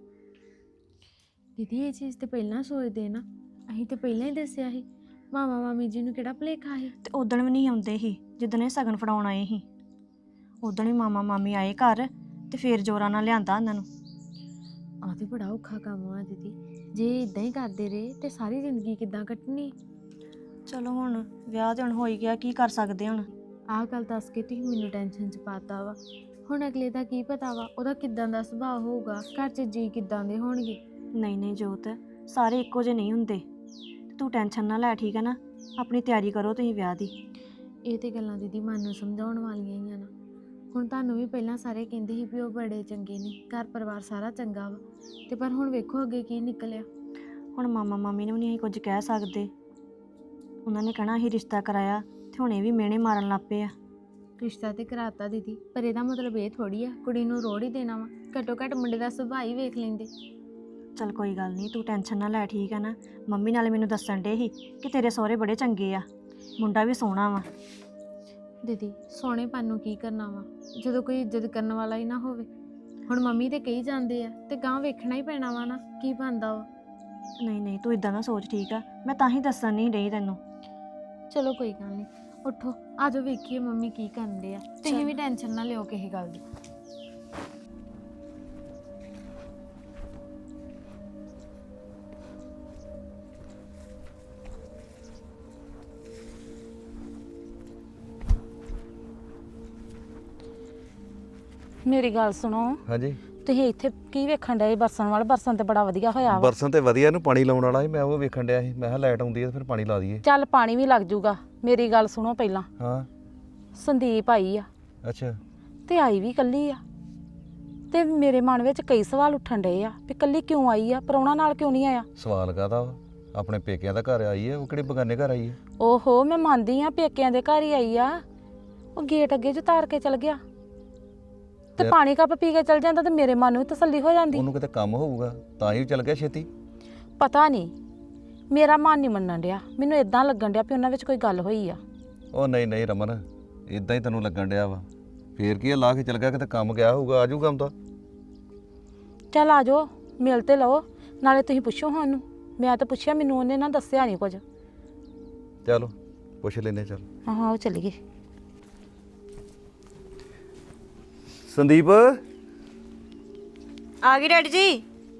S6: ਦੀਦੀ ਇਹ ਚੀਜ਼ ਤੇ ਪਹਿਲਾਂ ਸੋਚਦੇ ਨਾ, ਅਸੀਂ ਤੇ ਪਹਿਲਾਂ ਹੀ ਦੱਸਿਆ ਸੀ। ਮਾਮਾ ਮਾਮੀ ਜੀ ਨੂੰ ਕਿਹੜਾ ਭੁਲੇਖਾ ਸੀ?
S3: ਤੇ ਉਦਣ ਵੀ ਨਹੀਂ ਆਉਂਦੇ ਸੀ ਜਿੱਦਣ ਇਹ ਸਗਨ ਫੜਾਉਣ ਆਏ ਸੀ, ਉਦਣ ਹੀ ਮਾਮਾ ਮਾਮੀ ਆਏ ਘਰ, ਤੇ ਫੇਰ ਜੋਰਾਂ ਨਾਲ ਲਿਆਂਦਾ ਉਹਨਾਂ ਨੂੰ।
S6: ਆਹ ਤੇ ਬੜਾ ਔਖਾ ਕੰਮ ਆ ਦੀਦੀ, ਜੇ ਇਦਾਂ ਹੀ ਕਰਦੇ ਰਹੇ ਤੇ ਸਾਰੀ ਜ਼ਿੰਦਗੀ ਕਿੱਦਾਂ ਕੱਟਣੀ?
S3: ਚਲੋ ਹੁਣ ਵਿਆਹ ਤੇ ਹੁਣ ਹੋ ਹੀ ਗਿਆ, ਕੀ ਕਰ ਸਕਦੇ ਹੁਣ।
S6: ਆਹ ਗੱਲ ਦੱਸ ਕੇ ਤੁਸੀਂ ਮੈਨੂੰ ਟੈਨਸ਼ਨ 'ਚ ਪਾਤਾ ਵਾ। ਹੁਣ ਅਗਲੇ ਦਾ ਕੀ ਪਤਾ ਵਾ ਉਹਦਾ ਕਿੱਦਾਂ ਦਾ ਸੁਭਾਅ ਹੋਊਗਾ, ਘਰ 'ਚ ਜੀ ਕਿੱਦਾਂ ਦੇ ਹੋਣਗੇ।
S3: ਨਹੀਂ ਨਹੀਂ ਜੋਤ, ਸਾਰੇ ਇੱਕੋ ਜਿਹੇ ਨਹੀਂ ਹੁੰਦੇ, ਤੂੰ ਟੈਨਸ਼ਨ ਨਾ ਲੈ, ਠੀਕ ਹੈ ਨਾ? ਆਪਣੀ ਤਿਆਰੀ ਕਰੋ ਤੁਸੀਂ ਵਿਆਹ ਦੀ।
S6: ਇਹ ਤੇ ਗੱਲਾਂ ਦੀਦੀ ਮਨ ਨੂੰ ਸਮਝਾਉਣ ਵਾਲੀਆਂ ਹੀ ਆ ਨਾ। ਹੁਣ ਤੁਹਾਨੂੰ ਵੀ ਪਹਿਲਾਂ ਸਾਰੇ ਕਹਿੰਦੇ ਸੀ ਵੀ ਉਹ ਬੜੇ ਚੰਗੇ ਨੇ, ਘਰ ਪਰਿਵਾਰ ਸਾਰਾ ਚੰਗਾ ਵਾ, ਤੇ ਪਰ ਹੁਣ ਵੇਖੋ ਅੱਗੇ ਕੀ ਨਿਕਲਿਆ।
S3: ਹੁਣ ਮਾਮਾ ਮਾਮੀ ਨੂੰ ਵੀ ਨਹੀਂ ਅਸੀਂ ਕੁਝ ਕਹਿ ਸਕਦੇ, ਉਹਨਾਂ ਨੇ ਕਹਿਣਾ ਅਸੀਂ ਰਿਸ਼ਤਾ ਕਰਾਇਆ, ਤੇ ਹੁਣ ਇਹ ਵੀ ਮਿਹਣੇ ਮਾਰਨ ਲੱਗ ਪਏ ਆ।
S6: ਰਿਸ਼ਤਾ ਤੇ ਕਰਾਤਾ ਦੀਦੀ, ਪਰ ਇਹਦਾ ਮਤਲਬ ਇਹ ਥੋੜੀ ਆ ਕੁੜੀ ਨੂੰ ਰੋੜ ਹੀ ਦੇਣਾ ਵਾ। ਘੱਟੋ ਘੱਟ ਮੁੰਡੇ ਦਾ ਸੁਭਾਅ ਹੀ ਵੇਖ ਲੈਂਦੇ।
S3: ਚਲ ਕੋਈ ਗੱਲ ਨਹੀਂ, ਤੂੰ ਟੈਨਸ਼ਨ ਨਾ ਲੈ, ਠੀਕ ਹੈ ਨਾ? ਮੰਮੀ ਨਾਲੇ ਮੈਨੂੰ ਦੱਸਣ ਡੇ ਸੀ ਕਿ ਤੇਰੇ ਸਹੁਰੇ ਬੜੇ ਚੰਗੇ ਆ, ਮੁੰਡਾ ਵੀ ਸੋਹਣਾ ਵਾ।
S6: ਦੀਦੀ ਸੋਹਣੇਪਨ ਨੂੰ ਕੀ ਕਰਨਾ ਵਾ, ਜਦੋਂ ਕੋਈ ਇੱਜ਼ਤ ਕਰਨ ਵਾਲਾ ਹੀ ਨਾ ਹੋਵੇ। ਹੁਣ ਮੰਮੀ ਤੇ ਕਹੀ ਜਾਂਦੇ ਆ, ਤੇ ਗਾਂ ਵੇਖਣਾ ਹੀ ਪੈਣਾ ਵਾ ਨਾ ਕੀ ਬਣਦਾ ਵਾ।
S3: ਨਹੀਂ ਨਹੀਂ, ਤੂੰ ਇਦਾਂ ਨਾ ਸੋਚ, ਠੀਕ ਆ? ਮੈਂ ਤਾਂ ਹੀ ਦੱਸਣ ਨਹੀਂ ਡਈ ਤੈਨੂੰ।
S6: ਚਲੋ ਕੋਈ ਗੱਲ ਨਹੀਂ, ਉੱਠੋ ਆਜੋ ਵੇਖੀਏ ਮੰਮੀ ਕੀ ਕਰਦੇ ਆ। ਤੁਸੀਂ ਵੀ ਟੈਨਸ਼ਨ ਨਾ ਲਿਓ ਕਿਸੇ ਗੱਲ ਦੀ।
S4: ਮੇਰੀ ਗੱਲ ਸੁਣੋ,
S7: ਹਾਂਜੀ
S4: ਤੁਸੀਂ ਇੱਥੇ ਕੀ ਵੇਖਣ ਡਏ? ਬਰਸਨ ਵਾਲਾ ਬਰਸਨ ਤੇ ਬੜਾ ਵਧੀਆ ਹੋਇਆ ਵਾ।
S7: ਬਰਸਨ ਤੇ ਵਧੀਆ, ਇਹਨੂੰ ਪਾਣੀ ਲਾਉਣ ਵਾਲਾ ਸੀ, ਮੈਂ ਉਹ ਵੇਖਣ ਡਿਆ ਸੀ। ਮੈਂ ਕਿਹਾ ਲਾਈਟ ਆਉਂਦੀ ਹੈ ਤੇ ਫਿਰ ਪਾਣੀ ਲਾ ਦਈਏ।
S4: ਚੱਲ ਪਾਣੀ ਵੀ ਲੱਗ ਜੂਗਾ। ਮੇਰੀ ਗੱਲ ਸੁਣੋ ਪਹਿਲਾਂ,
S7: ਹਾਂ
S4: ਸੰਦੀਪ ਆਈ ਆ
S7: ਅੱਛਾ
S4: ਤੇ ਆਈ ਵੀ ਕੱਲੀ ਆ, ਤੇ ਮੇਰੇ ਮਨ ਵਿੱਚ ਕਈ ਸਵਾਲ ਉੱਠਣ ਡਏ ਆ ਵੀ ਕੱਲੀ ਕਿਉਂ ਆਈ ਆ, ਪ੍ਰਾਹੁਣਾ ਨਾਲ ਕਿਉਂ ਨਹੀਂ ਆਇਆ?
S7: ਸਵਾਲ ਕਾਹਦਾ ਵਾ? ਆਪਣੇ ਪੇਕਿਆਂ ਦਾ ਘਰ ਆਈ ਹੈ, ਉਹ ਕਿਹੜੇ ਬਗਾਨੇ ਘਰ ਆਈ ਹੈ?
S4: ਓਹੋ, ਮੈਂ ਮੰਨਦੀ ਆ ਪੇਕਿਆਂ ਦੇ ਘਰ ਹੀ ਆਈ ਆ, ਉਹ ਗੇਟ ਅੱਗੇ ਜੋ ਤਾਰ ਕੇ ਚਲ ਗਿਆ ਤੇ
S7: ਤੇ-
S4: ਪਾਣੀ ਕੱਪ ਪੀ ਕੇ ਚਲ ਜਾਂਦਾ ਤੇ ਮੇਰੇ ਮਨ ਨੂੰ ਵੀ ਤਸੱਲੀ ਹੋ ਜਾਂਦੀ।
S7: ਉਹਨੂੰ ਕਿਤੇ ਕੰਮ ਹੋਊਗਾ ਤਾਂ ਹੀ ਚੱਲ ਗਿਆ ਛੇਤੀ।
S4: ਪਤਾ ਨਹੀਂ, ਮੇਰਾ ਮਨ ਨਹੀਂ ਮੰਨਣ ਡਿਆ, ਮੈਨੂੰ ਇਦਾਂ ਲੱਗਣ ਡਿਆ ਵੀ ਉਹਨਾਂ ਵਿੱਚ ਕੋਈ ਗੱਲ ਹੋਈ ਆ।
S7: ਉਹ ਨਹੀਂ ਨਹੀਂ ਰਮਨ, ਇਦਾਂ ਹੀ ਤੈਨੂੰ ਲੱਗਣ ਡਿਆ ਵਾ। ਫੇਰ ਕੀ ਆ, ਲਾ ਕੇ ਚੱਲ ਗਿਆ, ਕਿਤੇ ਕੰਮ ਗਿਆ ਹੋਊਗਾ, ਆ ਜਾਊਗਾ ਹੁੰਦਾ।
S4: ਚੱਲ ਆ ਜਾਓ, ਮਿਲ ਤੇ ਲਓ, ਨਾਲੇ ਤੁਸੀਂ ਪੁੱਛੋ ਸਾਨੂੰ। ਮੈਂ ਤਾਂ ਪੁੱਛਿਆ, ਮੈਨੂੰ ਉਹਨੇ ਨਾ ਦੱਸਿਆ ਨਹੀਂ ਕੁਝ।
S7: ਚਲੋ ਪੁੱਛ ਲੈਨੇ। ਚੱਲ
S4: ਹਾਂ ਉਹ ਚੱਲ ਗਏ।
S7: ਸੰਦੀਪ
S3: ਆ ਗਈ ਡੈਡੀ ਜੀ।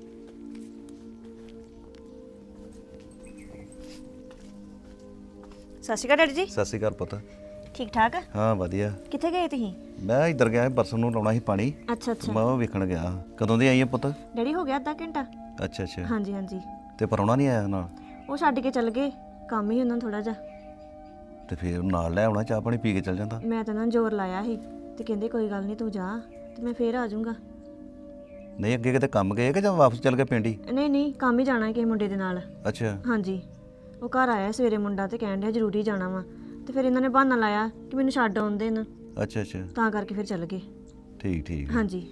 S3: ਸਤਿ ਸ਼੍ਰੀ ਅਕਾਲ ਡੈਡੀ ਜੀ।
S7: ਸਤਿ ਸ਼੍ਰੀ ਅਕਾਲ ਪੁੱਤ।
S3: ਠੀਕ ਠਾਕ?
S7: ਹਾਂ ਵਧੀਆ।
S3: ਕਿੱਥੇ ਗਏ ਤੁਸੀਂ?
S7: ਮੈਂ ਇੱਧਰ ਗਿਆ ਸੀ, ਬਰਸਨ ਨੂੰ ਲਾਉਣਾ ਸੀ ਪਾਣੀ,
S3: ਅੱਛਾ ਅੱਛਾ।
S7: ਮੈਂ ਉਹ ਵੇਖਣ ਗਿਆ। ਕਦੋਂ ਦੀ ਆਈ ਹੈ ਪੁੱਤ?
S3: ਡੈਡੀ ਹੋ ਗਿਆ ਅੱਧਾ ਘੰਟਾ।
S7: ਅੱਛਾ ਅੱਛਾ।
S3: ਹਾਂਜੀ ਹਾਂਜੀ।
S7: ਤੇ ਪਰਾਉਣਾ ਨਹੀਂ ਆਇਆ ਨਾਲ?
S3: ਉਹ ਛੱਡ ਕੇ ਚੱਲ ਗਏ, ਕੰਮ ਹੀ ਉਹਨਾਂ ਥੋੜਾ ਜਿਹਾ।
S7: ਤੇ ਫੇਰ ਨਾਲ ਲੈ ਆਉਣਾ, ਚਾਹ ਪਾਣੀ ਪੀ ਕੇ ਚੱਲ ਜਾਂਦਾ।
S3: ਮੈਂ ਤਾਂ ਨਾ ਜ਼ੋਰ ਲਾਇਆ ਸੀ ਤੇ ਕਹਿੰਦੇ ਕੋਈ ਗੱਲ ਨਹੀਂ ਤੂੰ ਜਾ ਤੇ ਮੈਂ ਫੇਰ ਆ ਜਾਊਂਗਾ।
S7: ਨਹੀਂ ਅੱਗੇ ਕਿਤੇ ਕੰਮ ਗਏ ਕਿ ਜਾਂ ਵਾਪਸ ਚੱਲ ਗਏ ਪਿੰਡ ਹੀ?
S3: ਨਹੀਂ ਨਹੀਂ, ਕੰਮ ਹੀ ਜਾਣਾ ਕਿਸੇ ਮੁੰਡੇ ਦੇ ਨਾਲ।
S7: ਅੱਛਾ
S3: ਹਾਂਜੀ, ਉਹ ਘਰ ਆਇਆ ਸਵੇਰੇ ਮੁੰਡਾ ਤੇ ਕਹਿਣ ਡਿਆ ਜ਼ਰੂਰੀ ਜਾਣਾ ਵਾ, ਤੇ ਫਿਰ ਇਹਨਾਂ ਨੇ ਬਹਾਨਾ ਲਾਇਆ ਕਿ ਮੈਨੂੰ ਛੱਡ ਆਉਂਦੇ ਨੇ,
S7: ਅੱਛਾ ਅੱਛਾ
S3: ਤਾਂ ਕਰਕੇ ਫਿਰ ਚੱਲ ਗਏ।
S7: ਠੀਕ ਠੀਕ।
S3: ਹਾਂਜੀ,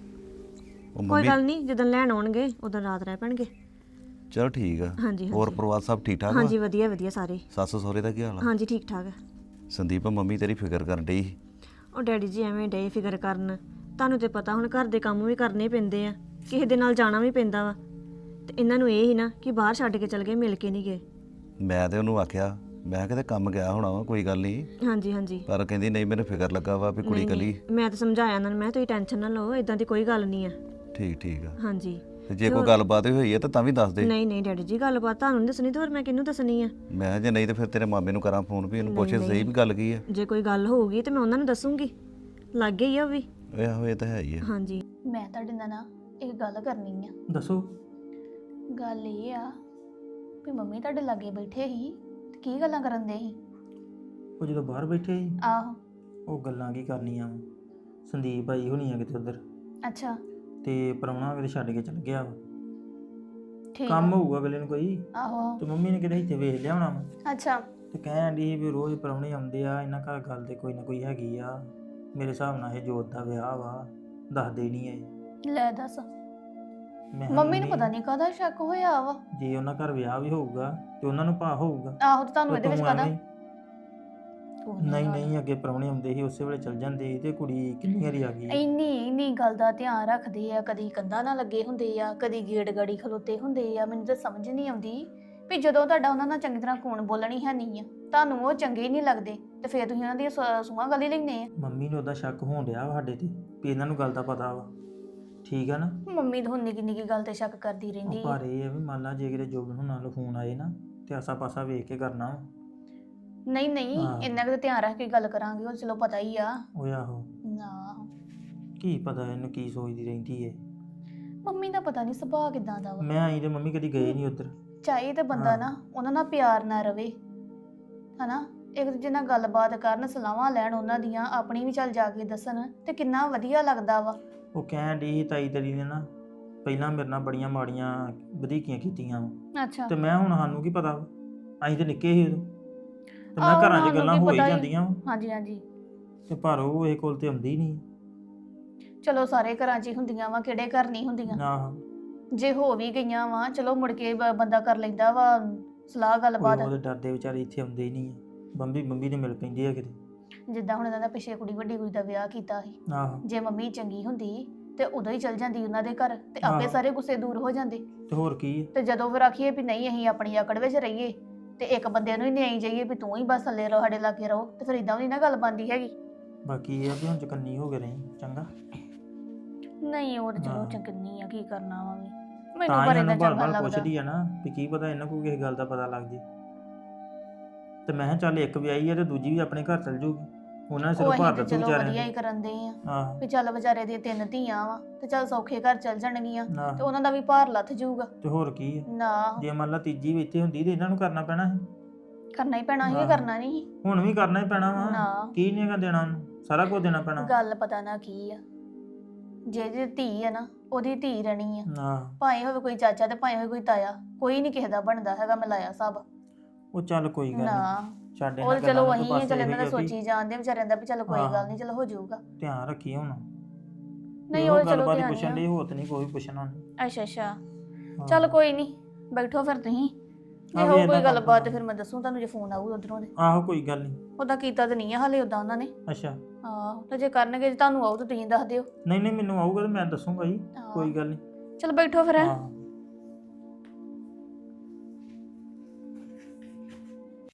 S7: ਉਹ
S3: ਕੋਈ
S7: ਮੰਮੀ
S3: ਗੱਲ ਨਹੀਂ, ਜਦੋਂ ਲੈਣ ਆਉਣਗੇ ਉਦੋਂ ਰਾਤ ਰਹਿ ਪੈਣਗੇ।
S7: ਚਲੋ ਠੀਕ ਆ।
S3: ਹਾਂਜੀ
S7: ਹੋਰ
S3: ਹਾਂਜੀ
S7: ਪਰਿਵਾਰ ਸਭ ਠੀਕ ਠਾਕ ਵਾ?
S3: ਹਾਂਜੀ, ਵਧੀਆ ਵਧੀਆ ਸਾਰੇ।
S7: ਸੱਸ ਸਹੁਰੇ ਦਾ ਕੀ ਹਾਲ ਆ?
S3: ਹਾਂਜੀ ਠੀਕ ਠਾਕ ਹੈ।
S7: ਸੰਦੀਪ ਮੰਮੀ ਤੇਰੀ ਫਿਕਰ ਕਰਨ ਡਈ ਸੀ।
S3: ਉਹ ਡੈਡੀ ਜੀ ਐਵੇਂ ਡੇ ਫਿਕਰ ਕਰਨ, ਤੁਹਾਨੂੰ ਤੇ ਪਤਾ ਹੁਣ ਘਰ ਦੇ ਕੰਮ ਵੀ ਕਰਨੇ ਪੈਂਦੇ ਆ, ਕਿਸੇ ਦੇ ਨਾਲ ਜਾਣਾ ਵੀ ਪੈਂਦਾ ਵਾ, ਤੇ ਇਹਨਾਂ ਨੂੰ ਇਹ ਹੀ ਨਾ ਕਿ ਬਾਹਰ ਛੱਡ ਕੇ ਚਲ ਗਏ, ਮਿਲ ਕੇ ਨਹੀਂ ਗਏ।
S7: ਮੈਂ ਤੇ ਉਹਨੂੰ ਆਖਿਆ, ਮੈਂ ਕਿਤੇ ਕੰਮ ਗਿਆ ਹੋਣਾ ਵਾ, ਕੋਈ ਗੱਲ ਨਹੀਂ।
S3: ਹਾਂਜੀ ਹਾਂਜੀ।
S7: ਪਰ ਕਹਿੰਦੀ ਨਹੀਂ, ਮੈਨੂੰ ਫਿਕਰ ਲੱਗਾ ਵਾ ਵੀ ਕੁੜੀ
S3: ਨਹੀਂ,
S7: ਕੱਲੀ।
S3: ਨਹੀਂ, ਮੈਂ ਤਾਂ ਸਮਝਾਇਆ ਉਹਨਾਂ ਨੂੰ, ਮੈਂ ਤੁਸੀਂ ਟੈਨਸ਼ਨ ਨਾ ਲਓ, ਇਦਾਂ ਦੀ ਕੋਈ ਗੱਲ ਨਹੀਂ ਆ।
S7: ਠੀਕ ਠੀਕ ਆ।
S3: ਹਾਂਜੀ।
S7: ਤੇ ਜੇ ਕੋਈ ਗੱਲਬਾਤ ਵੀ ਹੋਈ ਹੈ ਤਾਂ ਤਾਂ ਵੀ ਦੱਸ ਦੇ।
S3: ਨਹੀਂ ਨਹੀਂ ਡੈਡੀ ਜੀ, ਗੱਲਬਾਤ ਤੁਹਾਨੂੰ ਨਹੀਂ ਦੱਸਣੀ ਤੇ ਹੋਰ ਮੈਂ ਕਿਹਨੂੰ ਦੱਸਣੀ ਆ?
S7: ਮੈਂ ਕਿਹਾ ਜੇ ਨਹੀਂ ਤੇ ਫਿਰ ਤੇਰੇ ਮਾਮੇ ਨੂੰ ਕਰਾਂ ਫੋਨ ਵੀ ਇਹਨੂੰ
S3: ਨਹੀਂ,
S7: ਪੁੱਛੇ ਸਹੀ
S3: ਨਹੀਂ।
S7: ਵੀ ਗੱਲ ਕੀ ਆ।
S3: ਜੇ ਕੋਈ ਗੱਲ ਹੋਊਗੀ ਤੇ ਮੈਂ ਉਹਨਾਂ ਨੂੰ ਦੱਸੂਗੀ, ਲੱਗ ਗਈ ਆ ਉਹ ਵੀ।
S7: ਇਹ ਆਹੋ ਇਹ ਤਾਂ ਹੈ ਹੀ ਆ।
S3: ਹਾਂਜੀ।
S8: ਮੈਂ ਤੁਹਾਡੇ ਨਾਲ ਨਾ ਇੱਕ ਗੱਲ ਕਰਨੀ ਆ।
S2: ਦੱਸੋ।
S8: ਗੱਲ ਇਹ ਆ ਵੀ ਮੰਮੀ ਤੁਹਾਡੇ ਲਾਗੇ ਬੈਠੇ ਸੀ ਤੇ ਕੀ ਗੱਲਾਂ ਕਰਨ ਦੇ ਸੀ?
S2: ਉਹ ਜਦੋਂ ਬਾਹਰ ਬੈਠੇ ਸੀ,
S8: ਆਹੋ।
S2: ਉਹ ਗੱਲਾਂ ਕੀ ਕਰਨੀਆਂ ਵਾ। ਸੰਦੀਪ ਆਈ ਹੋਣੀ ਆ ਕਿਤੇ ਉਧਰ,
S8: ਅੱਛਾ
S2: ਤੇ ਪ੍ਰਾਹੁਣਾ ਕਿਤੇ ਛੱਡ ਕੇ ਚਲ ਗਿਆ ਵਾ।
S8: ਠੀਕ
S2: ਕੰਮ
S8: ਆ।
S2: ਹੋਊਗਾ ਅਗਲੇ ਨੂੰ ਕੋਈ,
S8: ਆਹੋ
S2: ਤੇ ਮੰਮੀ ਨੇ ਕਿਤੇ ਇੱਥੇ ਵੇਖ ਲਿਆ ਹੋਣਾ ਵਾ,
S8: ਅੱਛਾ
S2: ਤੇ ਕਹਿਣ ਡਈ ਸੀ ਵੀ ਰੋਜ਼ ਪ੍ਰਾਹੁਣੇ ਆਉਂਦੇ ਆ, ਇਹਨਾਂ ਘਰ ਗੱਲ ਤੇ ਕੋਈ ਨਾ ਕੋਈ ਹੈਗੀ ਆ। ਮੇਰੇ ਹਿਸਾਬ ਨਾਲ ਇਹ ਜੋਤ ਦਾ ਵਿਆਹ ਵਾ, ਦੱਸਦੇ ਨਹੀਂ ਐ।
S8: ਲੈ ਦੱਸ,
S2: ਮੈਂ ਕਿਹਾ
S8: ਮੰਮੀ ਨੂੰ ਪਤਾ ਨਹੀਂ ਕਾਹਦਾ ਸ਼ੱਕ ਹੋਇਆ ਵਾ।
S2: ਜੇ ਉਹਨਾਂ ਘਰ ਵਿਆਹ ਵੀ ਹੋਊਗਾ ਤੇ ਉਹਨਾਂ ਨੂੰ ਭਾ ਹੋਊਗਾ।
S8: ਆਹੋ ਤੇ ਤੁਹਾਨੂੰ
S2: ਤੇ
S8: ਇਹਦੇ ਵਿੱਚ
S2: ਤੂੰ
S8: ਕਾਹਦਾ?
S2: ਐਵੇਂ- ਨਹੀਂ ਨਹੀਂ, ਅੱਗੇ ਪ੍ਰਾਹੁਣੇ ਆਉਂਦੇ ਸੀ ਉਸੇ ਵੇਲੇ ਚਲ ਜਾਂਦੇ ਸੀ, ਤੇ ਕੁੜੀ ਕਿੰਨੀ ਵਾਰੀ ਆ ਗਈ।
S8: ਇੰਨੀ ਇੰਨੀ ਗੱਲ ਦਾ ਧਿਆਨ ਰੱਖਦੇ ਆ, ਕਦੀ ਕੰਧਾਂ ਨਾਲ ਲੱਗੇ ਹੁੰਦੇ ਆ, ਕਦੀ ਗੇਟ ਗਾੜੀ ਖਲੋਤੇ ਹੁੰਦੇ ਆ। ਮੈਨੂੰ ਤਾਂ ਸਮਝ ਨਹੀਂ ਆਉਂਦੀ ਵੀ ਜਦੋਂ ਤੁਹਾਡਾ ਉਹਨਾਂ ਨਾਲ ਚੰਗੀ ਤਰ੍ਹਾਂ ਖੂਨ ਬੋਲਣੀ ਹੈ ਨਹੀਂ ਆ, ਤੁਹਾਨੂੰ ਉਹ ਚੰਗੇ ਹੀ ਨਹੀਂ ਲੱਗਦੇ, ਤੇ ਫਿਰ ਤੁਸੀਂ ਉਹਨਾਂ ਦੀਆਂ ਸੂ- ਸੂਹਾਂ ਗੱਲ ਹੀ ਲੈਂਦੇ ਆ।
S2: ਮੰਮੀ ਨੂੰ ਉਹਦਾ ਸ਼ੱਕ ਹੋਣ ਡਿਆ ਵਾ ਸਾਡੇ ਤੇ ਵੀ ਇਹਨਾਂ ਨੂੰ ਗੱਲ ਦਾ ਪਤਾ ਵਾ। ਠੀਕ ਆ ਨਾ?
S8: ਮੰਮੀ ਤਾਂ ਹੁਣ ਨਿੱਕੀ ਨਿੱਕੀ ਗੱਲ ਤੇ ਸ਼ੱਕ ਕਰਦੀ ਰਹਿੰਦੀ
S2: ਉਹ
S8: ਆ।
S2: ਪਰ ਇਹ ਆ ਵੀ ਮੰਨ ਲਾ ਜੇ ਕਿਤੇ ਜੋਬਨ ਹੁਣਾਂ ਨੂੰ ਫੋਨ ਆਏ ਨਾ, ਤੇ ਆਸਾ ਪਾਸਾ ਵੇਖ ਕੇ ਕਰਨਾ ਵਾ।
S8: ਨਹੀਂ ਨਹੀਂ,
S2: ਹਾਂ।
S8: ਇੰਨਾ ਕੁ ਤਾਂ ਧਿਆਨ ਰੱਖ ਕੇ ਗੱਲ ਕਰਾਂਗੇ, ਉਹ ਚਲੋ ਪਤਾ ਹੀ ਆ।
S2: ਉਹ ਆਹੋ,
S8: ਨਾ
S2: ਕੀ ਪਤਾ ਇਹਨੂੰ ਕੀ ਸੋਚਦੀ ਰਹਿੰਦੀ ਏ।
S8: ਮੰਮੀ ਦਾ ਪਤਾ ਨਹੀਂ ਸੁਭਾਅ ਕਿਦਾਂ ਦਾ ਵਾ।
S2: ਮੈਂ ਆਈ ਤੇ ਮੰਮੀ ਕਦੀ ਗਏ ਨਹੀਂ ਉੱਧਰ।
S8: ਚਾਹੇ ਤੇ ਬੰਦਾ
S2: ਹਾਂ।
S8: ਨਾ ਉਹਨਾਂ ਨਾਲ ਪਿਆਰ ਨਾ ਰਵੇ, ਹਨਾ, ਇੱਕ ਦੂਜੇ ਨਾਲ ਗੱਲਬਾਤ ਕਰਨ, ਸਲਾਹਾਂ ਲੈਣ ਉਹਨਾਂ ਦੀਆਂ, ਆਪਣੀ ਵੀ ਚੱਲ ਜਾ ਕੇ ਦੱਸਣ, ਤੇ ਕਿੰਨਾ ਵਧੀਆ ਲੱਗਦਾ ਵਾ।
S2: ਉਹ ਕਹਿਣ ਡਈ ਸੀ ਤਾਈ ਤੇਰੀ ਨੇ ਨਾ ਪਹਿਲਾਂ ਮੇਰੇ ਨਾਲ ਬੜੀਆਂ ਮਾੜੀਆਂ ਵਧੀਕੀਆਂ ਕੀਤੀਆਂ ਵਾ,
S8: ਅੱਛਾ
S2: ਤੇ ਮੈਂ ਹੁਣ ਸਾਨੂੰ ਕੀ ਪਤਾ ਵਾ, ਅਸੀਂ ਤੇ ਨਿੱਕੇ ਸੀ ਉਦੋਂ, ਤੇ ਮੈਂ
S8: ਆਹੋ,
S2: ਘਰਾਂ 'ਚ
S8: ਸਾਨੂੰ
S2: ਗੱਲਾਂ
S8: ਕੀ
S2: ਹੋ ਹੀ
S8: ਪਤਾ ਸੀ।
S2: ਜਾਂਦੀਆਂ ਵਾ,
S8: ਹਾਂਜੀ ਹਾਂਜੀ,
S2: ਤੇ ਪਰ ਉਹ ਇਹ ਕੋਲ ਤੇ ਆਉਂਦੀ ਨਹੀਂ।
S8: ਚਲੋ ਸਾਰੇ ਘਰਾਂ 'ਚ ਹੀ ਹੁੰਦੀਆਂ ਵਾ, ਕਿਹੜੇ ਘਰ ਨਹੀਂ ਹੁੰਦੀਆਂ।
S2: ਆਹ
S8: ਜੇ ਹੋ ਵੀ ਗਈਆਂ ਵਾ, ਚਲੋ ਮੁੜ ਕੇ ਬ- ਬੰਦਾ ਕਰ ਲੈਂਦਾ ਵਾ ਸਲਾਹ ਗੱਲਬਾਤ।
S2: ਉਹਦੇ ਡਰਦੇ ਵਿਚਾਰੇ ਇੱਥੇ ਆਉਂਦੇ ਹੀ ਨਹੀਂ ਆ। ਬੰਬੀ ਬੰਬੀ ਨੇ ਮਿਲ ਪੈਂਦੀ ਆ ਕਿਤੇ।
S8: ਜਿੱਦਾਂ ਹੁਣ ਇਹਨਾਂ ਦਾ ਪਿੱਛੇ ਕੁੜੀ ਵੱਡੀ ਕੁੜੀ ਦਾ ਵਿਆਹ ਕੀਤਾ ਸੀ,
S2: ਆਹੋ,
S8: ਜੇ ਮੰਮੀ ਚੰਗੀ ਹੁੰਦੀ ਤੇ ਉਦੋਂ ਹੀ ਚਲ ਜਾਂਦੀ ਉਹਨਾਂ ਦੇ ਘਰ, ਤੇ ਆਪੇ
S2: ਆਹੋ।
S8: ਸਾਰੇ ਗੁੱਸੇ ਦੂਰ ਹੋ ਜਾਂਦੇ।
S2: ਤੇ ਹੋਰ ਕੀ ਆ।
S8: ਤੇ ਜਦੋਂ ਫਿਰ ਆਖੀਏ ਵੀ ਨਹੀਂ ਅਸੀਂ ਆਪਣੀ ਆਕੜ ਵਿੱਚ ਰਹੀਏ, ਤੇ ਇੱਕ ਬੰਦੇ ਨੂੰ ਹੀ ਨਹੀਂ ਜਾਈਏ ਵੀ ਤੂੰ ਹੀ ਬਸ ਥੱਲੇ ਰਹੋ ਸਾਡੇ ਲਾਗੇ ਰਹੋ ਤੇ ਫਿਰ ਇਦਾਂ ਵੀ ਨੀ ਨਾ ਗੱਲ ਬਣਦੀ ਹੈਗੀ।
S2: ਬਾਕੀ ਇਹ ਆ ਵੀ ਹੁਣ ਚਕੰਨੀ ਹੋ ਕੇ ਰਹੀ ਚੰਗਾ।
S8: ਨਹੀਂ ਉਹ ਤੇ ਚਲੋ
S2: ਹਾਂ।
S8: ਚੰਗਨੀ ਆ, ਕੀ ਕਰਨਾ ਵਾ ਵੀ
S2: ਤਾਂ
S8: ਮੈਨੂੰ
S2: ਹੀ
S8: ਪਰ
S2: ਉਹਨੂੰ
S8: ਇਦਾਂ
S2: ਬਾਰ
S8: ਚੰਗਾ
S2: ਬਾਰ
S8: ਲੱਗਦਾ।
S2: ਪੁੱਛਦੀ ਆ ਨਾ ਵੀ ਕੀ ਪਤਾ ਇਹਨਾਂ ਕੋਲ ਕਿਸੇ ਗੱਲ ਦਾ ਪਤਾ ਲੱਗ ਜੇ। ਤੇ ਮੈਂ ਕਿਹਾ ਚੱਲ ਇੱਕ ਵਿਆਹੀ ਆ ਤੇ ਦੂਜੀ ਵੀ ਆਪਣੇ ਘਰ ਚਲ ਜਾਊਗੀ, ਉਹਨਾਂ ਨੇ
S8: ਉਹ
S2: ਸਿਰਫ
S8: ਅਸੀਂ
S2: ਭਾਰ
S8: ਤੇ
S2: ਦੱਸੂ
S8: ਚਲੋ
S2: ਵਿਚਾਰਿਆਂ
S8: ਵਧੀਆ ਹੀ
S2: ਦੀ।
S8: ਕਰਨ ਦੇ ਆ
S2: ਆਹੋ
S8: ਵੀ ਚੱਲ ਵਿਚਾਰੇ ਦੀਆਂ ਤਿੰਨ ਧੀਆਂ ਵਾ ਤੇ ਚੱਲ ਸੌਖੇ ਘਰ ਚੱਲ ਜਾਣਗੀਆਂ ਤੇ
S2: ਆਹੋ।
S8: ਉਹਨਾਂ ਦਾ ਵੀ ਭਾਰ ਲੱਥ ਜਾਊਗਾ।
S2: ਤੇ ਹੋਰ ਕੀ ਆ,
S8: ਨਾ
S2: ਜੇ ਮੰਨ ਲਾ ਤੀਜੀ ਵੀ ਇੱਥੇ ਹੁੰਦੀ ਤੇ ਇਹਨਾਂ ਨੂੰ ਕਰਨਾ ਪੈਣਾ ਸੀ।
S8: ਕਰਨਾ ਹੀ ਪੈਣਾ ਸੀ ਕਿ
S2: ਆਹੋ।
S8: ਕਰਨਾ ਨਹੀਂ
S2: ਹੁਣ ਵੀ ਕਰਨਾ ਹੀ ਪੈਣਾ ਵਾ।
S8: ਨਾ
S2: ਕੀ ਨਹੀਂ ਹੈਗਾ ਦੇਣਾ ਉਹਨੂੰ, ਸਾਰਾ ਕੁਝ ਦੇਣਾ ਪੈਣਾ।
S8: ਗੱਲ ਪਤਾ ਨਾ ਕੀ ਆ, ਜੇ ਜੇ ਧੀ ਆ ਨਾ ਉਹਦੀ ਧੀ ਰਹਿਣੀ ਆ,
S2: ਆਹ
S8: ਭਾਵੇਂ ਹੋਵੇ ਕੋਈ ਚਾਚਾ ਤੇ ਭਾਵੇਂ ਹੋਵੇ ਕੋਈ ਤਾਇਆ, ਕੋਈ ਨਹੀਂ ਕਿਸੇ ਦਾ ਬਣਦਾ ਹੈਗਾ ਮਿਲਾਇਆ ਸਭ।
S2: ਉਹ ਚੱਲ ਕੋਈ ਗੱਲ
S8: ਨਾ
S2: ਨਹੀਂ, ਛੱਡ
S8: ਉਹ
S2: ਇਹਨਾਂ
S8: ਚਲੋ
S2: ਗੱਲਾਂ ਨੂੰ,
S8: ਵਹੀ
S2: ਤੂੰ
S8: ਆ,
S2: ਬਸ
S8: ਚੱਲ
S2: ਇਹੋ
S8: ਇਹਨਾਂ ਦਾ
S2: ਹੀ ਆ ਵੀ
S8: ਸੋਚੀ ਜਾਂਦੇ ਵਿਚਾਰਿਆਂ ਦਾ ਵੀ ਚੱਲ ਕੋਈ
S2: ਹਾਂ।
S8: ਗੱਲ ਨਹੀਂ, ਚਲੋ ਹੋ ਜਾਊਗਾ।
S2: ਧਿਆਨ ਰੱਖੀ ਹੁਣ।
S8: ਨਹੀਂ ਉਹ ਚਲੋ
S2: ਗੱਲਬਾਤ ਹੀ
S8: ਧਿਆਨ
S2: ਪੁੱਛਣ
S8: ਆ।
S2: ਲਈ, ਹੋਰ ਤੇ ਨਹੀਂ ਕੋਈ ਪੁੱਛਣਾ ਉਹਨੇ।
S8: ਅੱਛਾ ਅੱਛਾ
S2: ਹਾਂ।
S8: ਚੱਲ ਕੋਈ ਨਹੀਂ, ਬੈਠੋ ਫਿਰ ਤੁਸੀਂ, ਜੇ
S2: ਆ ਵੀ
S8: ਹੋ
S2: ਏਦਾਂ
S8: ਕੋਈ
S2: ਕਰ
S8: ਗੱਲਬਾਤ
S2: ਲੈਣਾ।
S8: ਫਿਰ ਮੈਂ ਦੱਸੂ ਤੁਹਾਨੂੰ ਜੇ ਫੋਨ ਆਊ ਉਧਰੋਂ ਦੇ।
S2: ਆਹੋ ਕੋਈ ਗੱਲ ਨਹੀਂ।
S8: ਉਹਦਾ ਕੀਤਾ ਤਾਂ ਨਹੀਂ ਆ ਹਾਲੇ ਉਦਾਂ ਉਹਨਾਂ ਨੇ।
S2: ਅੱਛਾ
S8: ਆਹੋ ਤੇ ਜੇ ਕਰਨਗੇ ਜੇ ਤੁਹਾਨੂੰ ਆਊ ਤਾਂ ਤੁਸੀਂ ਦੱਸ ਦਿਓ।
S2: ਨਹੀਂ ਨਹੀਂ ਮੈਨੂੰ ਆਊਗਾ ਤੇ ਮੈਂ ਦੱਸੂਗਾ ਜੀ,
S8: ਹਾਂ।
S2: ਕੋਈ ਗੱਲ ਨਹੀਂ।
S8: ਚਲ ਬੈਠੋ ਫਿਰ ਹੈਂ।
S2: ਹਾਂ